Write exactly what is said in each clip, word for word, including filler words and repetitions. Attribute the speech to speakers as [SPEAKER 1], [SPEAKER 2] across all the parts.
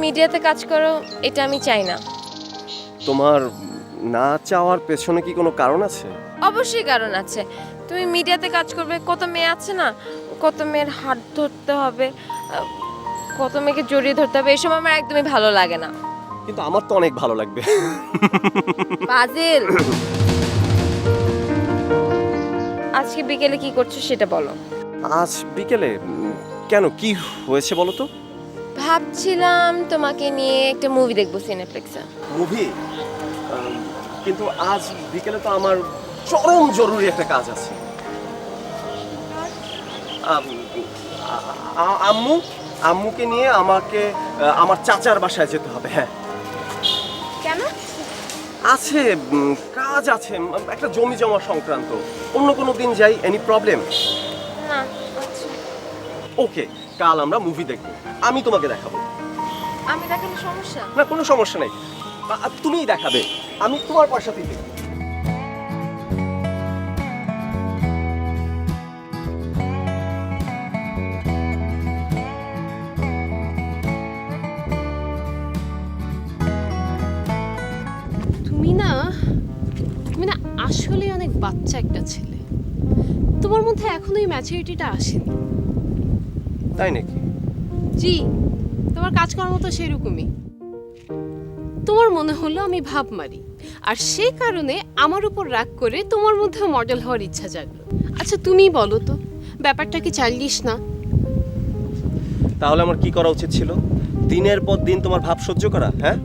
[SPEAKER 1] মিডিয়াতে কাজ করো এটা আমি চাই না।
[SPEAKER 2] তোমার না চাওয়ার পেছনে কি কোনো কারণ আছে?
[SPEAKER 1] অবশ্যই কারণ আছে। তুমি মিডিয়াতে কাজ করবে, কত মেয়ে আছে না, কত মেয়ের হাত ধরতে হবে, আহ, কত মেয়েকে জড়িয়ে ধরতে হবে, এসব আমার একদমই ভালো লাগে না।
[SPEAKER 2] কিন্তু আমার তো অনেক ভালো লাগবে।
[SPEAKER 1] ফাজিল, আজকে বিকেলে কি করছো সেটা বলো।
[SPEAKER 2] আজ বিকেলে উম, কেন, কি হয়েছে বলো তো?
[SPEAKER 1] ভাবছিলাম তোমাকে নিয়ে একটা মুভি দেখবো সিনেপ্লেক্সে।
[SPEAKER 2] মুভি? কিন্তু আজ বিকেলে তো আমার চরম জরুরি একটা কাজ আছে। আম, আ- আ- আম্মু আম্মুকে নিয়ে আমাকে আহ, আমার চাচার বাসায় যেতে হবে। হ্যাঁ
[SPEAKER 1] কেন?
[SPEAKER 2] আছে, উম, কাজ আছে, উম, একটা জমি জমা সংক্রান্ত। অন্য কোনো দিন যাই, এনি প্রবলেম?
[SPEAKER 1] না। আচ্ছা,
[SPEAKER 2] ওকে, কাল আমরা মুভি দেখব, আমি তোমাকে দেখাবো।
[SPEAKER 1] আমি দেখালে সমস্যা?
[SPEAKER 2] না, কোনো সমস্যা নেই, আ- আ, তুমিই দেখাবে, আমি তোমার পয়সাতেই দেখব।
[SPEAKER 3] তুমি না তুমি না আসলে অনেক বাচ্চা একটা ছেলে। তোমার মধ্যে এখনো এই ম্যাচুরিটিটা আসেনি।
[SPEAKER 2] তাই নাকি?
[SPEAKER 3] জি, তোমার কাজ করার মতো সেরকমই। তোমার মনে হলো আমি ভাব মারি, আর সেই কারণে আমার উপর রাগ করে তোমার মধ্যে মডেল হওয়ার ইচ্ছা জাগলো। আচ্ছা তুমি বলো তো, ব্যাপারটা কি চাইলিস না?
[SPEAKER 2] তাহলে আমার কি করা উচিত ছিল? দিনের পর দিন তোমার ভাব সহ্য করা? হ্যাঁ,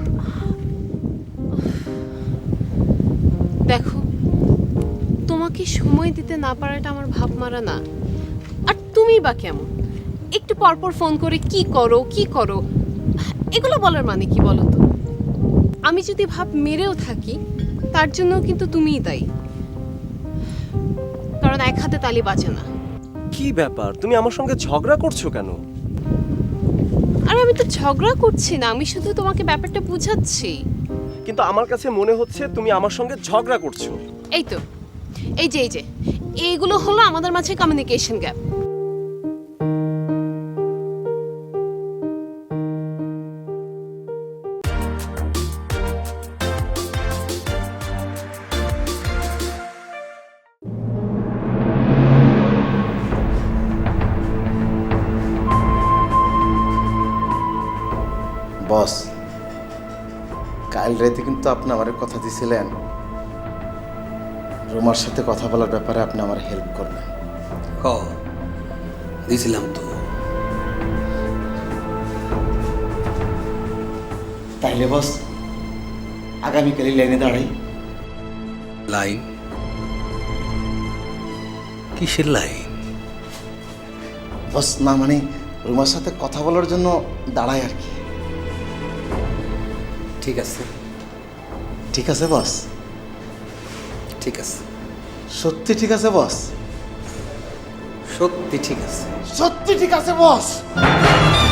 [SPEAKER 3] দেখো, তোমাকে সময় দিতে না পারাটা আমার ভাব মারা না। আর তুমি বা কেমন, একটু পরপর ফোন করে কি করো কি করো এগুলো বলার মানে কি বলো তো? আমি যদি ভাব মেরেও থাকি তার জন্য কিন্তু তুমিই দায়ী, কারণ এক হাতে তালি বাজে না।
[SPEAKER 2] কি ব্যাপার, তুমি আমার সঙ্গে ঝগড়া করছো কেন?
[SPEAKER 3] আরে আমি তো ঝগড়া করছি না, আমি শুধু তোমাকে ব্যাপারটা বুঝাচ্ছি।
[SPEAKER 2] কিন্তু আমার কাছে মনে হচ্ছে তুমি আমার সঙ্গে ঝগড়া করছো।
[SPEAKER 3] এই তো, এই যে এই যে এইগুলো হলো আমাদের মাঝে কমিউনিকেশন গ্যাপ।
[SPEAKER 4] বস, কাল রাতে কিন্তু আপনি আমার কথা দিয়েছিলেন রোমার সাথে কথা বলার ব্যাপারে আপনি আমার হেল্প করবেন।
[SPEAKER 5] হ দিছিলাম তো।
[SPEAKER 4] তাইলে বস আগামীকালই লাইনে দাঁড়াই।
[SPEAKER 5] লাইন? কিসের লাইন?
[SPEAKER 4] বস না মানে রোমার সাথে কথা বলার জন্য দাঁড়াই আর কি।
[SPEAKER 5] ঠিক আছে
[SPEAKER 4] ঠিক আছে বস?
[SPEAKER 5] ঠিক আছে,
[SPEAKER 4] সত্যি ঠিক আছে বস?
[SPEAKER 5] সত্যি ঠিক আছে।
[SPEAKER 4] সত্যি ঠিক আছে বস?